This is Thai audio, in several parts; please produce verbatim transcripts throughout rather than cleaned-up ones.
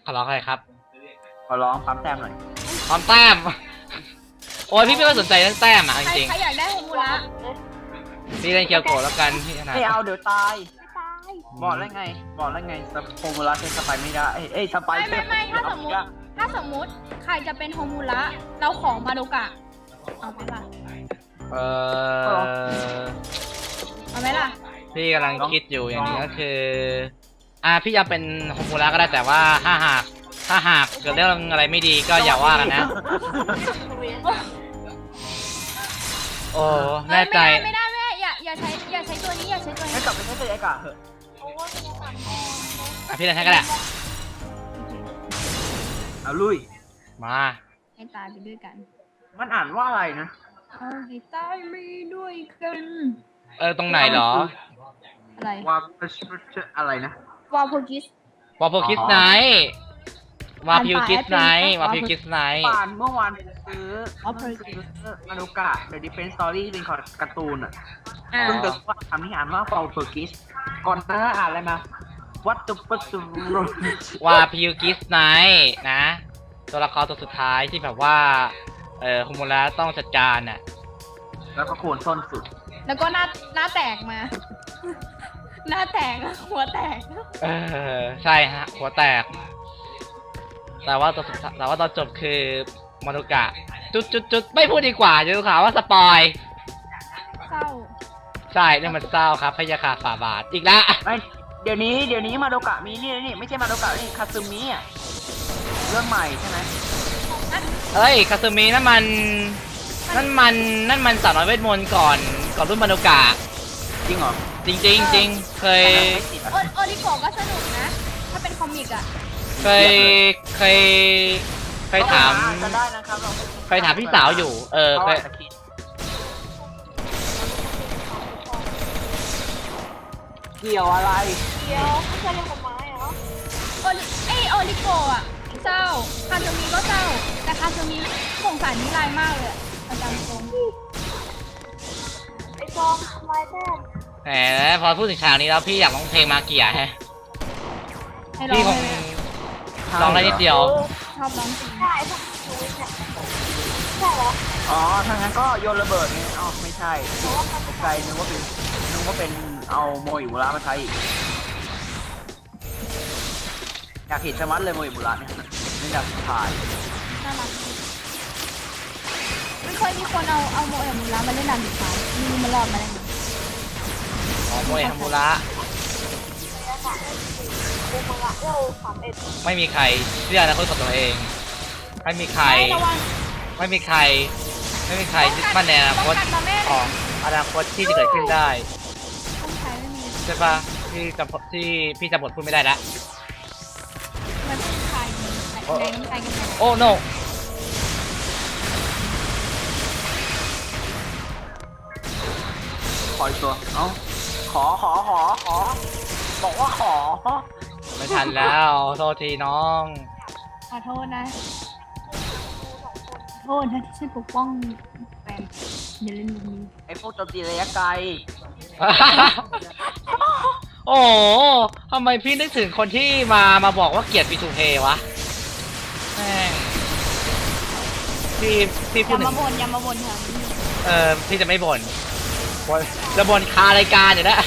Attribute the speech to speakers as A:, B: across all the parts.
A: ขอร้องอะไรครับ
B: ขอร้องปั๊มแต้มหน่อย
A: ปั๊มแต้มโอ้ยพี่ไม่ค่อยสนใจเรื่องแต้มอ่ะจริง
C: ใครอยากได้โฮมูระ
A: ๆพี่เล่นเคียวโกะแล้วกันพี่ขนาด
B: ไม่เอาเดี๋ยวตาย
C: ไม่ตาย
B: บอกแล้วไงบอกแล้วไงโฮมูระเป็นสไปไม่ได้เอ้ยสไป
C: ไม่ไม่ไม่ถ้าสมมติถ้าสมมติใครจะเป็นโฮมูระเราของมาโดกะเอาไหมล่ะ
A: เออ
C: เอาไหมล่ะ
A: พี่กำลังคิดอยู่อย่างนี้ก็คืออ่าพี่จะเป็นโฮมูระก็ได้แต่ว่าถ้าหากถ้าหากเกิดเรื่องอะไรไม่ดีก็อย่าว่ากันนะโอ้แน่ใจ
C: ไม่ได้ไม่ได้อย่าอย่าใช้อย่าใช้ตัวนี้อย่าใช้ตัวนี้
B: ไม่กลับไปใช้ตัวไอ้กะเหอะ
A: อ่ะพี่จะใช้ก็ได้
B: เอาลุย
A: มา
C: ให้ตายไปด้วยกัน
B: มันอ่านว่าอะไรนะ
C: เอาให้ตายไปด้วยกัน
A: เออตรงไหนเหรอ
C: อะไร
B: วาอะไรนะ
C: วาโพกิส
A: วาโพกิสไนท์วาพิวกิสไนท์วาพิวกิสไนท์
B: ป่านเมื่อวานซื้อซื้อมานุกะเดอะดิเฟนสตอรี่เป็นการ์ตูนอ่ะซึ่งเกิดว่าคำนี้อ่านว่าวาโพกิสก่อนหน้าอ่านอะไรมาวัตถุประสงค์
A: วาพิวกิสไนท์นะตัวละครตัวสุดท้ายที่แบบว่าเอ่อโฮมูระต้องจัดการน่ะ
B: แล้วก็โคนส้นสุด
C: แล้วก็หน้าหน้าแตกมาหน้าแตกหัวแตก
A: เออใช่ฮะหัวแตกแต่ว่าตัวแต่ว่าตอนจบคือมานุกะจุดจุดจุดไม่พูดดีกว่าจะดูข่าวว่าสปอย
C: เศร้า
A: ใช่นี่มันเศร้าครับพยาคาฝ่าบาทอีกแล้ว
B: เดี๋ยวนี้เดี๋ยวนี้มานุกะมีนี่นี่ไม่ใช่มานุกะนี่คาซึมิอ่ะเรื่องใหม่ใช่ไหม
A: เอ้ยคาซึมินั่นมันนั่นมันนั่นมันสาวน้อยเวทมนต์ก่อนก่อนรุ่นมานุกะ
B: จริงเหรอ
A: จริงจริงจริงเคย
C: โอริโกะก็สนุกนะถ้าเป็นคอมิกอ่ะ
A: เคยเคยเคยถามเคยถามพี่สาวอยู่เออเคย
B: เกี่ยวอะไร
C: เกี่ยวไม่ใช่เรื่องกฎหมายเหรอโอริไอโอริโกะอ่ะเศร้าคาซึมิก็เศร้าแต่คาซึมิสงสารนิรายมากเลยอาจารย์ตรงไอซองทำไมแท้
A: แหมพอพูดถึงฉากนี้แล้วพี่อยากร้องเพลงมาเกียร์แฮะพี่คงลองได้นิดเดียว
C: ชอบร้องจริงได้พวกชูวิทย์เนี่ยใช่เหรอ
B: อ๋อถ้างั้นก็โยนระเบิดนี่อ๋อไม่ใช่ตกใจนึกว่าเป็นนึกว่าเป็นเอาโมอิมุระมาใช้อีกอยากเห็นชะมัดเลยโมอิมุระเนี่ยไม่อยากถ่าย
C: น่ารักไม่เคยมีคนเอาเอาโมอิมุระมาเล่นนานถึงท้ายมีมันรอดมาได้ไหม
A: อ๋อโมอิมุระไม่มีใครเชื่อนะคนของตัวเองไม่มีใครไม่มีใครไม่มีใครยึดมั่นในอนาคตของอนาคตที่จะเกิดขึ้นได้ใช่ปะที่จำที่พี่จำบทพูดไม่ได้แล้วโอ้ no
B: ขออีกตัวเอ้าขอขอขอขอบอกว่าขอ
A: ไม่ทันแล้วโทษทีน้อง
C: ขอโทษนะโทษนะที่ฉันปกป้องแฟนอย่าเล่นแบบนี้
B: ไอ้พวกโจมตีระยะไกล
A: โอ้ทำไมพี่นึกถึงคนที่มามาบอกว่าเกลียดปีทูเพวะแม่งพี่พี่พูดถึง
C: อย่ามาบ่นอย่ามาบ่นค่ะ
A: เออพี่จะไม่บ่นจะบ่นคารายการอยู่แล้ว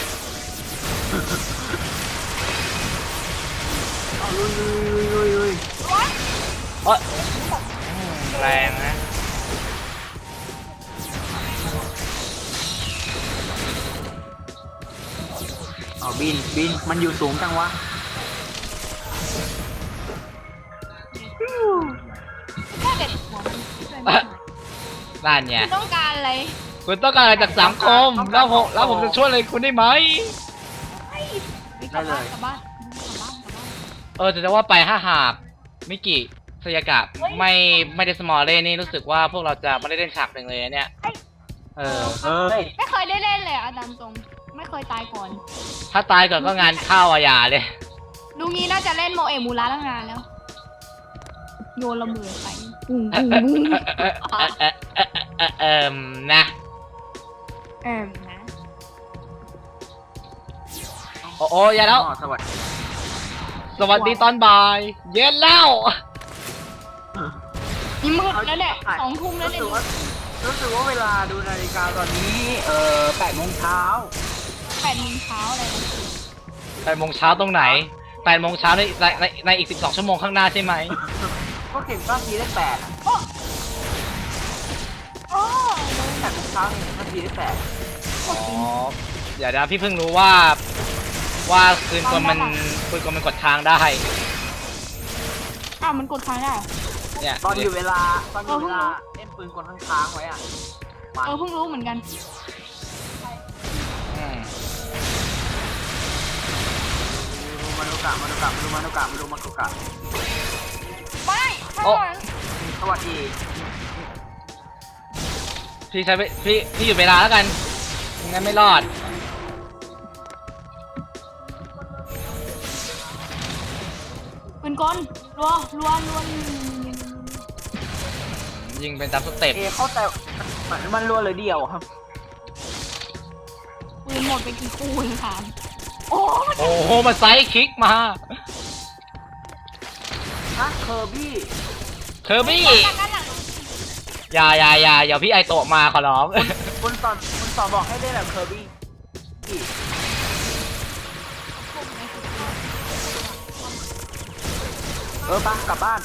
B: ลุยลุยลุยลุย
A: โอ๊ยแรงนะ
B: เอาบินบินมันอยู่สูงจังวะ
C: แค่เด็ดหัว
A: นั่นเนี่ย
C: คุณต้องการอะไร
A: คุณต้องการอะไรจากสังคมแล้วผมแล้วผมจะช่วยอะไรคุณได้ไหม
C: ได้เลย
A: เออแต่จะว่าไปถ้าหากมิกิสยากะไม่ไม่ได้สมอลเล่นี่รู้สึกว่าพวกเราจะไม่ได้เล่นฉากหนึ่งเลยเนี่ยเออเออ
C: ไม่เคยได้เล่นเลยอาจารย์ตรงไม่เคยตายก่อน
A: ถ้าตายก่อนก็งานเข้าอาญาเลย
C: ลุงนี้น่าจะเล่นโมเอะมูระตั้งนานแล้วโยนระเบิดไปปุ้งปุ้งปุ้ง
A: เออเออเออนะ
C: เออนะ
A: โอ้โอ้ยาแล้ว
B: สวัสดี
A: สวัสดีตอนบ่าย เย็นแล้ว
C: นี่มืดแล้วเนี่ยสองทุ่มแล้วเนี่ย
B: รู้สึกว่ารู้สึกว่าเวลาดูนาฬิกาตอนนี้เอ่อแปดโมงเช้า
C: แปดโมงเช้าอะไรนะ
A: แปดโมงเช้าตรงไหนแปดโมงเช้าในในในในอีกสิบสองชั่วโมงข้างหน้าใช่ไหม
B: ก็เข็มก้าทีได้แปดอะ
C: โอ้โอ้
B: แปดโมงเช้าเข็มก้าทีได้แปด
A: อ๋อเดี๋ยวนะพี่เพิ่งรู้ว่าว่าคืนกลมันคืนกลมันกดค้างได้
C: อ้าวมันกดค้างได้
A: เนี่ย
B: ตอนอยู่เวลาตอนอยู่เวลาเล่นปืนกลค้างๆไว้อ่ะมัน
C: เออเพิ่งรู้เหมือนกัน
A: อืม
B: มาดูกะมาดูกะมาดูมาดูกะมาดูมาดูกะ
C: ไม่ไม่ก่อน
B: สวัสดี
A: พี่ใช้ไปพี่พี่อยู่เวลาแล้วกันงั้นไม่รอด
C: ปืนกลรัวรัวรัว
A: ยิงเป็นตามสเต็ป
B: เอเข้าใจมันมันรัวเลยเดียวครับ
C: ปืนหมดไปกี่คู่เลยค่ะโอ้
A: โอ้โหมาไซด์คิกมา
B: ฮะเคอร์บี้
A: เคอร์บี้อย่าอย่าอย่าอย่าพี่ไอโตะมาขอร้อง
B: คุณสอนคุณสอนบอกให้ได้แบบเคอร์บี้เออปะกลับบ้าน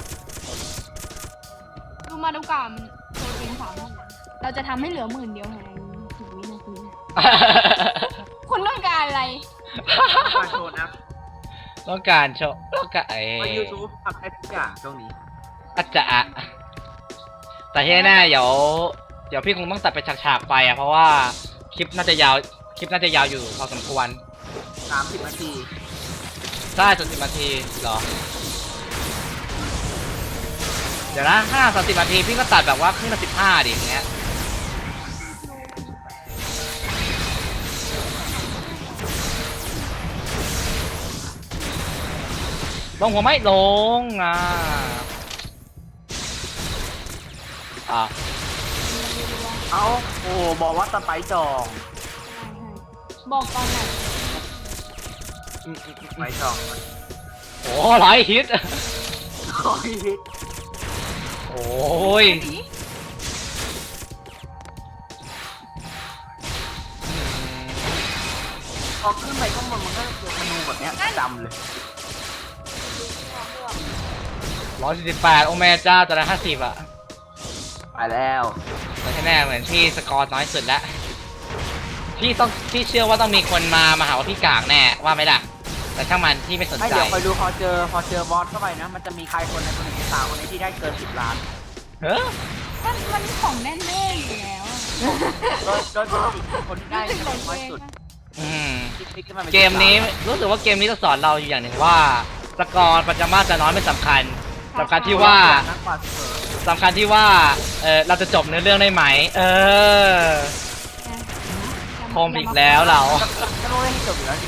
C: ดูมาดูกามโปรตีนสามเราจะทำให้เหลือหมื่นเดียวไงสิบวินาทีคุณต้องการอะไร
B: มาโชว์นะ
A: ต้องการโชว์ต้องการเอ
B: ว่ายูทูบทำได้ทุกอย่างช่วงนี้
A: อาจจะอะแต่ที่แน่ๆเดี๋ยวเดี๋ยวพี่คงต้องตัดไปฉากๆไปอะเพราะว่าคลิปน่าจะยาวคลิปน่าจะยาวอยู่พอสมควร
B: สามสิบนาที
A: ได้จนสิบนาทีเหรอ เดี๋ยวนะห้าสามสิบนาทีพี่ก็ตัดแบบว่าครึ่งละสิบห้าดิอย่างเงี้ยลงหัวไม่ลงอ่ะอ่ะ
B: เอาโอ้บอกว่าสไปซ์จอง
C: บอกตอนไหน
A: อืมอืมอืม
B: สไปซ์จอง
A: โอ้หลายฮิต
B: โอ้ย
A: โอ้ย
B: พอขึ้นไปข้างบนมันก็เจอเมนูแบบเนี้ยจำเลย
A: ร้อยสี่สิบแปดโอเมจ้าแต่ละห้าสิบอะ
B: ไปแล้ว
A: แต่ที่แน่เหมือนพี่สกอร์น้อยสุดแล้วพี่ต้องพี่เชื่อว่าต้องมีคนมามาหาว่าพี่กากแน่ว่าไหมล่ะแต่ช่างมันพี่ไม่สน
B: ไม่
A: ใจ
B: เดี๋ยวคอยดูพอเจอพอเจอบอสเข้าไปนะ มันจะมีใครคนในคนหนึ่งในสามคนนี้ที่ได้เกินสิบล้าน
A: เฮ้ย
C: มันมันของแน่ๆอยู่แล้วอะ
B: โดยโดยปกติคนที่ได้
C: รู้สึกหลง
B: น้อย
C: เอง
B: สุด
C: นะ
A: อืม
B: ที่พลิกขึ้นมาป็
A: เกมนี้รู้สึกว่าเกมนี้จะสอนเราอยู่อย่างหนึ่งว่าสกอร์ปัจจุบันจะน้อยไม่สำคัญสำคัญที่ว่า
B: นักกว่าเสมอ
A: สำคัญที่ว่าเออเราจะจบเนื้อเรื่องได้ไหม เออโคมอีกแล้วเรา
B: ก็รู้ได้ที่จบอยู่แล้วดิ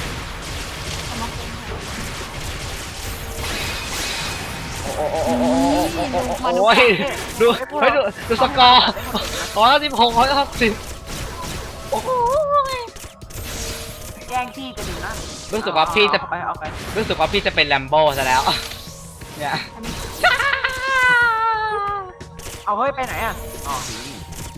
A: โอ้โอ้โอ้โอ้โอ้โอ้โอ้โอ้ยดูเฮ้ยดูดูสกอร์ร้อยสิบหกร้อยหกสิบโอ้โห
B: แย่งที่กันอยู่นะ
A: รู้สึกว่าพี่จะ
B: เอาไปเอาไป
A: รู้สึกว่าพี่จะเป็นแลมโบ้ซะแล้วเนี่ย
B: เอาเฮ้ยไปไหนอ่ะอ๋อนี่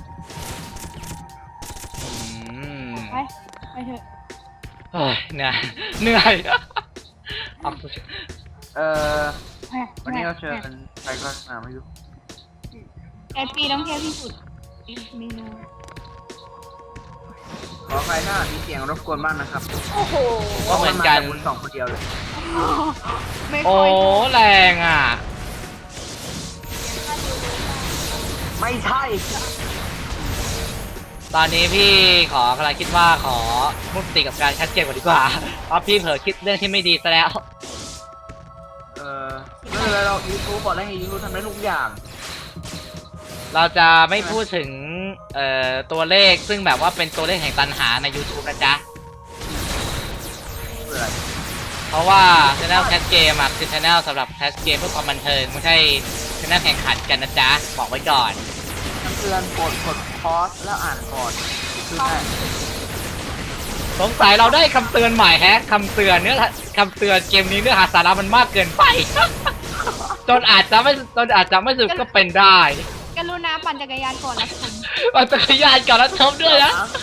A: อืม
C: ไปไปเถอะ
A: เฮ้ยเหนื่อยเหนื่อยเอา
B: เอ่อ
C: ไป
B: วันนี้เราเชิญใครก็มาไม่รู้
C: แอดปีต้องเที่ยวที่สุดเมนู
B: ขอใครถ้ามีเสียงรบกวนบ้างนะครับ
C: โอ้โห
A: ก็เหมือนกัน
B: พราะาจากคุณสองคนเดียวเลย
C: ไม่
A: โอ้
C: ค่อย
A: แรงอ่ะ
B: ไม่ใช่
A: ตอนนี้พี่ขอกำลังคิดว่าขอมุติกับการแคสเกมก่อนดีกว่าเพราะพี่เผลอคิดเรื่องที่ไม่ดีซะแล้ว
B: เออไม่เป็นไรเรายูทูบบอกแล้วให้ยูทูบทำได้ทุกอย่าง
A: เราจะไม่พูดถึงเอ่อตัวเลขซึ่งแบบว่าเป็นตัวเลขแห่งตันหาใน YouTube นะจ๊ะ
B: เพื่ออะไร
A: เพราะว่า Channel Cast Game อะคือ Channel สำหรับ Cast Game เพื่อความบันเทิงไม่ใช่ Channel แข่งขันกันนะจ๊ะ บอกไว้ก่อน
B: เตือนกดกดพอสแล้วอ่านก่อนคือแค่
A: สงสัยเราได้คำเตือนใหม่แฮะคำเตือนเนื้อคำเตือนเกมนี้เนื้อหาสาระมันมากเกินไป จนอาจจะไม่จนอาจจะไม่สนุกก็เป็นได้
C: กรุณาปั่นจักรยานก่อนรับชม
A: ปั่นจักรยานก่อนแล้วชมด้วยนะ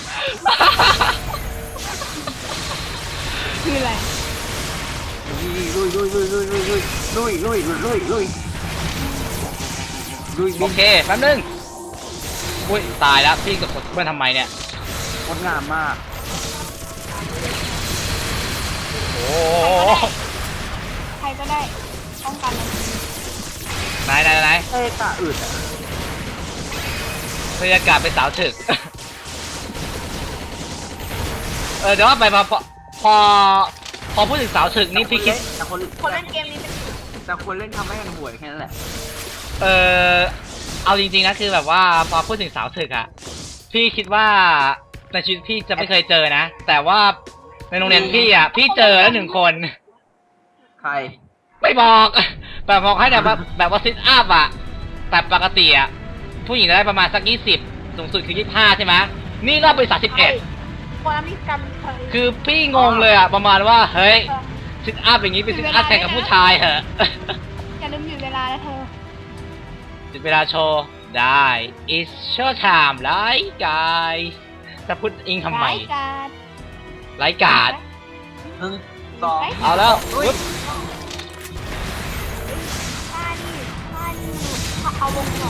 C: คืออะไร
B: ลุยลุยลุยลุยลุยลุยลุยลุยลุยลุยลุยลุย
A: โอเคแป๊บนึงอุ้ยตายแล้วพี่กดกดเพื่อนทำไมเนี่ย
B: งดงามมาก
A: โอ้
C: ใครก็ได้ป้องกันเลย
A: ไหนไหนไหน
B: เอ้กะอึดอ่ะ
A: บรรยากาศเป็นสาวถึก เออเดี๋ยวว่าไปพอพอพอพอพูดถึงสาวถึกนี่พี่คิด
B: แต่คน
C: คนเล่นเกมนี้เป็น
B: แต่คนเล่นทำให้กันห่วยแค่นั้นแหละ
A: เออเอาจริงๆนะคือแบบว่าพอพูดถึงสาวถึกอะพี่คิดว่าในชีวิตพี่จะไม่เคยเจอนะ แต่ว่าในโรงเรียนพี่อะพี่เจอแล้วหนึ่งคน
B: ใคร
A: ไม่บอกแบบบอกให้แบบว่าแบบว่าซิทอัพอะแต่ปกติอะผู้หญิงจะได้ประมาณสักยี่สิบสูงสุดคือยี่สิบห้าใช่ไหมนี่รอบไปสามสิบเอ็ด
C: คนมีกันเคย
A: คือพี่งงเลยอะประมาณว่าเฮ้ยซิทอัพอย่างนี้เป็นซิทอัพแข่งกับผู้ชายเหรอ
C: อย่าลืมอยู่เวลาแล้วเธอ
A: จุดเวลาโชว์ได้ it's show time ไลฟ์กายจะพูดอิงทำไม
C: รายการ
A: ไลฟ์การ์ด
B: หนึ่งสอง
A: เอาแล้วปึ๊บ
C: ท่านี่ท่านี่เอาวงก่อน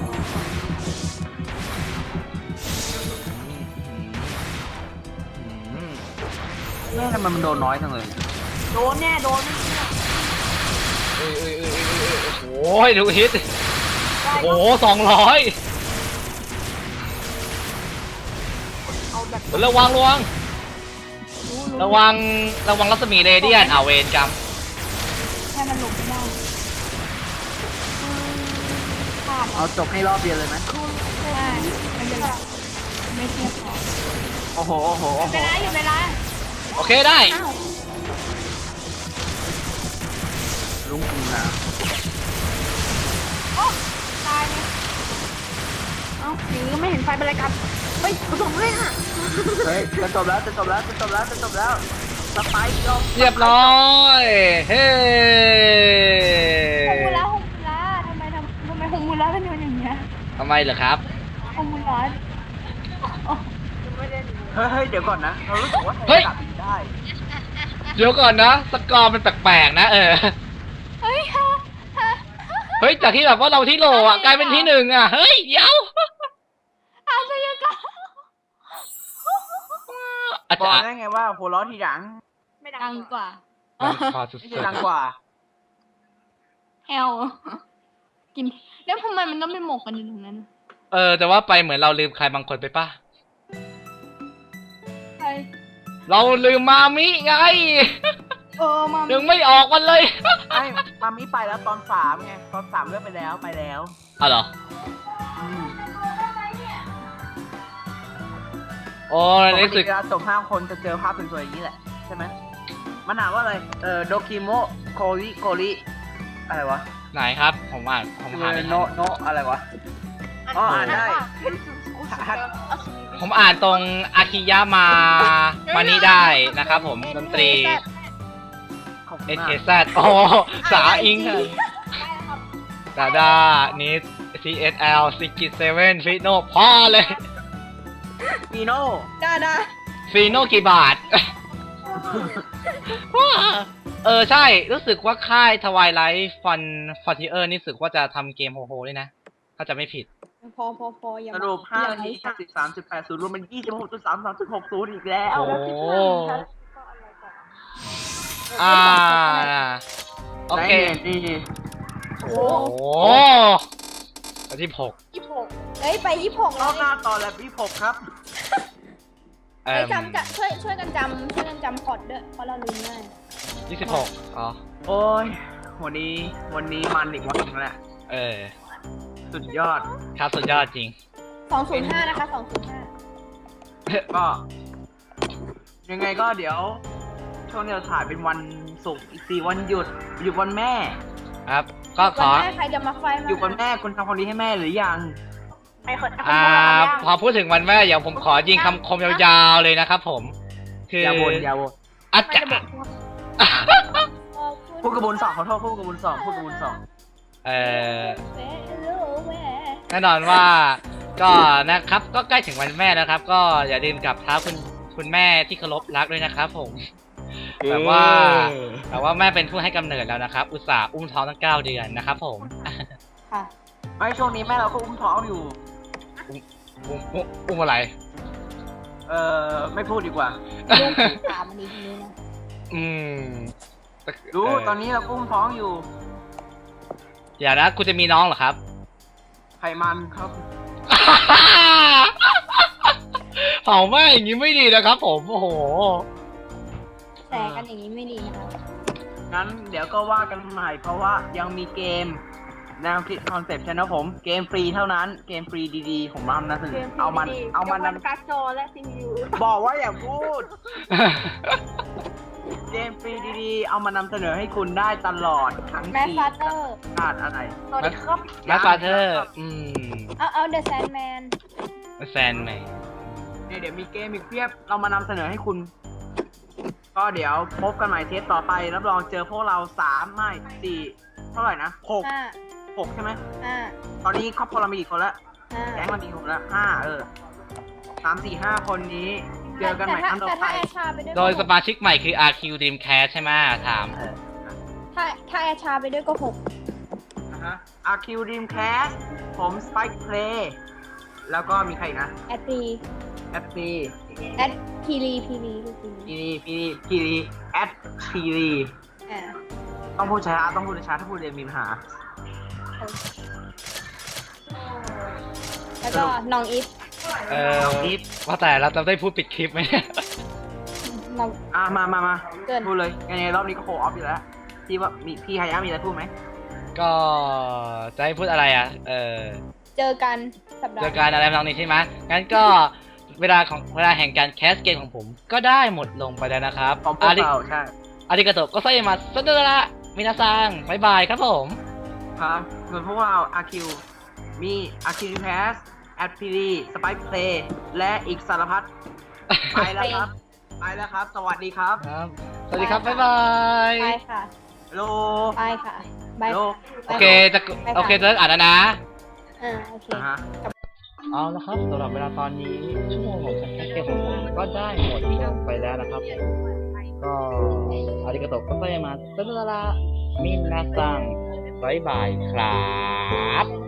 A: อืม
B: แม่ทำไมมันโดนน้อยจังเลย
C: โดนแน่โดน
A: เอ้ยเอ้ยเอ้ยเอ้ยเอ้ยโอ้ยดูฮิตโอ้โหสองร้อย
C: เอาแบบ
A: ระวังระวังระวังระวังรัศมีเรเดียนเอาเวนกรรม
C: ให้มันหลบไม่ได้ขาด
B: เอาจบให้รอบเดียวเลยไหม
C: ใช่ไม่เป็นไรไม่เทียบพอ
B: โอ้โหโอ้โหโอ้โห
C: เวลาอยู่เวลา
A: โอเคได้
C: อ้าว
B: ลุงคุณนะ
C: โอ้ตายเลยเอ้าหรือไม่เห็นไฟเป็นไรกันเฮ้ยผสมเลยอ่ะ
B: เฮ้ยจะจบแล้วจะจบแล้วจะจบแล้วจะจบแล้วสไปค์ยอม
A: เรียบร้อยเฮ้
C: ฮงมูระฮงมูระทำไมทำทำไมฮงมูระเป็นอย่างเงี้ย
A: ทำไมเหรอครับ
C: ฮงมูระโอ้
B: เฮ้ยเฮ้ยเดี๋ยวก่อนนะเรารู้สึกว่า
A: เฮ้ย
B: กลับอีกได้
A: เดี๋ยวก่อนนะสกอร์มันแปลกๆนะเออ
C: เฮ้ยฮะฮะ
A: เฮ้ยจากที่แบบว่าเราที่โหลอ่ะกลายเป็นที่หนึ่งอ่ะเฮ้ยเดี๋ยว
C: อาชญากรรม
A: อาจ
B: บอ
A: จะ
B: กได้ไงว่าหัวเร้อทีหลัง
C: ไม่ดังกว่า
A: พอสุด
B: ไม่ใช่ดังกว่า
C: แฮลกินแล้วทำไมมันต้องไปหมกกันอยู่ตรงนั้น
A: ๆเออแต่ว่าไปเหมือนเราลืมใครบางคนไปป่ะ
C: ใคร
A: เราลืมมามิไง
C: เออมา
A: ยังไม่ออกมันเลย
B: ไอ้มามิไปแล้วตอนสามไงตอนสามเลือกไปแล้วไปแล้ว
A: อ้าวเหรอ
B: อืม
A: โอ้
B: ป
A: ใน
B: ก
A: รู้
B: ติ
A: สึก
B: เวลาจบห้าคนจะเจอภาพสวยๆอย่างนี้แหละใช่ไหมมันอ่านว่าอะไรเออโดคิโมโคริโกริอะไรวะ
A: ไหนครับ ผมอ่านผมอ่านไม่
B: โน
A: ทัน
B: โนอะไรวะอ๋ออ่านได้
A: ผมอ่านตรงอาคิยามามานี่ได้นะครับผมดนตรี
B: ขอบคุณ
A: เอ
B: มา
A: เค
B: ก
A: แซดโอ้สาอิงดาดานิด ซี เอส แอล ซิกิเซเว่นฟิโนพอเลย
B: มีโน่
C: ได้ได้
A: ฟีโนกี่บาท เออใช่ รู้สึกว่าค่ายทวายไลท์ฟันฟอนติเออร์นี่รู้สึกว่าจะทำเกมโฮโฮด้วยนะ ถ้าจะไม่ผิด
C: พอพอพออย่า
B: สรุปห้านาทีห้าสิบสามจุดแปดศูนย์รวมเป็นยี่สิบหกจุดสามสามจุดหกศูนย์อีกแล้ว
A: โอ้อ่าโอเค
B: นี่
C: โอ้
A: โอ้อันที่หก
C: ยี่สิบหกเฮ้ยไปยี่สิบหก
B: ร
C: แล้
B: อ
C: ว
B: บหน้าต่อแล้วพี่ผมครับ
A: เอ่
C: เฮ้ย
A: อ
C: จำจะช่วยช่วยกันจำช่วยกันจำพอร์ตด้วยเพราะเราลืมง่าย
A: ยี่สิบหกอ๋อ
B: โอ้ยวันนี้วันนี้มันอีกวันหนึงแหละ
A: เออ
B: สุดยอด
A: ครับสุดยอดจริง
C: สองศูนย์ห้านะคะสองศูนย์ห้า
B: ก็ ยังไงก็เดี๋ยว ช่วงนี้เราถ่ายเป็นวันศุกร์อีกสี่วันหยุดหยุดวันแม่
A: ครับ ก็ข
C: วัน
A: อ
C: แม่ใครจะมาไฟมา
B: หยุดวันแม่คุณทำความดีให้แม่หรือยัง
C: ไอ้คน
A: อ่า พอพูดถึงวันแม่เดี๋ยวผมขอยิงคำคมยาวๆเลยนะครับผมคือ
B: อย่าบ่นอย่าบ่น
A: อาจ
C: ไม่
A: จะ
C: จะบอกว่าขอบคุณ
B: พูดกระบวนสองขอโทษพูดกระบวนสองพูดกระบวนสอง
A: เอ่อ
C: เฟโลแวร์
A: แน่นอนว่าก็นะครับก็ใกล้ถึงวันแม่แล้วครับ ก็อย่าลืมกลับเท้าคุณคุณแม่ที่เคารพรักด้วยนะครับผมแต่ว่าแต่ว่าแม่เป็นผู้ให้กำเนิดแล้วนะครับ อุตส่าห์อุ้มท้องตั้งเก้าเดือนนะครับผม
C: ค่ะ
B: ไม่ช่วงนี้แม่เราก็อุ้มท้องอยู่
A: อุ้มอุ้มอุ้มอุ้มอะไร
B: เออไม่พูดดีกว่า
C: ลูกถามอันนี้ทีนี้นะ
A: อืม
B: รู้
A: เ
B: ตอนนี้เราก็อุ้มท้องอยู่
A: อย่านะคุณจะมีน้องเหรอครับ
B: ไขมันครับ
A: เผาไหม้อย่างนี้ไม่ดีนะครับผมโอ้โห
C: แต่กันอย่างนี้ไม่ดีนะคะ
B: งั้นเดี๋ยวก็ว่ากันใหม่เพราะว่ายังมีเกมแนวคิดคอนเซปต์ใช่ไหมผมเกมฟรีเท่านั้นเกมฟรีดีๆผมนำนะเสนอเอามันเอามันนำ
C: การ์ดจอและซีพียู
B: บอกว่าอย่าพูด เกมฟรีดีๆ เอามานำเสนอให้คุณได้ตลอดทั้ง
C: แมส
B: ปี
C: ฟาเตอร์
B: ขาดอะไร
C: สวัสดีครับ
A: แมสฟาเธอร์อืม
C: เอาเอาเดอะแซนแมน
A: แฟนใหม่
B: เนี่ยเดี๋ยวมีเกมอีกเพียบเรามานำเสนอให้คุณ ก็เดี๋ยวพบกันใหม่เทปต่อไปรับรองเจอพวกเราสามไม่สี่เท่าไหร่นะหก
C: ห้า
B: หกใช่ไหม
C: ห้า
B: ตอนนี้ครอบครัวเรามีกี่คนแล้ว
C: ห้า
B: แก๊งเรามีกี่คนแล้วห้าเออสามสี่ห้าคนนี้เจอกันใหม่ครั้งต่อ
C: แต่
B: ไป
C: ถ้าแอชาไปด้วย
A: โดยสมาชิกใหม่คือ อาร์ คิว Dreamcast ใช่ไหมถาม
C: ถ้าถ้าแอชาไปด้วยก็หก
B: นะฮะ อาร์ คิว Dreamcast ผม Spike Play แล้วก็มีใครอีกนะ
C: แอดรี
B: แอดซี
C: แอดพีรีพีรีพีรี
B: พีรีพีรีพีรีแอดพีรี
C: อ่า
B: ต้องพูดช้าต้องพูดช้าถ้าพูดเร็วมีปัญหา
C: แล้วก็น้องอีฟ
A: เออว่าแต่เราจะได้พูดปิดคลิปไหมเนี่ย
C: น้อง
B: อ่ะมามามา
C: เกิน
B: พูดเลยยังไงรอบนี้ก็โคออฟอยู่แล้วพี่ว่ามีพี่ฮายะมีอะไรพูดไหม
A: ก็จะให้พูดอะไรอ่ะ เออ
C: เจอกันสัปดาห์
A: เจอการอะไรทำนองนี้ใช่ไหมงั้นก็เวลาของเวลาแห่งการแคสเกมของผมก็ได้หมดลงไปแล้วนะครับ
B: ของพวกเราใช่
A: อาริกาโตะก็ไซมาสเดระมินาซังบายบายครับผม
B: ครับส่วนพวกเรา อาร์ คิว มี อาร์ คิว Dreamcast แอดพีรีสไปค์เพลย์และอีกสารพัดไปแล้วครับ ไปแล้วครับ สวัสดีครับ
A: ครับ สวัสดีครับ บ๊ายบาย
C: ไปค่ะ
B: โล
C: ไปค่ะบาย
B: โล
A: โอเค จะ โอเคจะเลิกอ่านแล้วนะ
C: อ่าโอเค
B: อ่าฮะ
A: เอาละครับสำหรับเวลาตอนนี้ชั่วโมงของการแคสเกมของผมก็ได้หมดลงไปแล้วนะครับผมก็อาริกาโตะก็ไซมาสเดระมินาซังบายบายครับ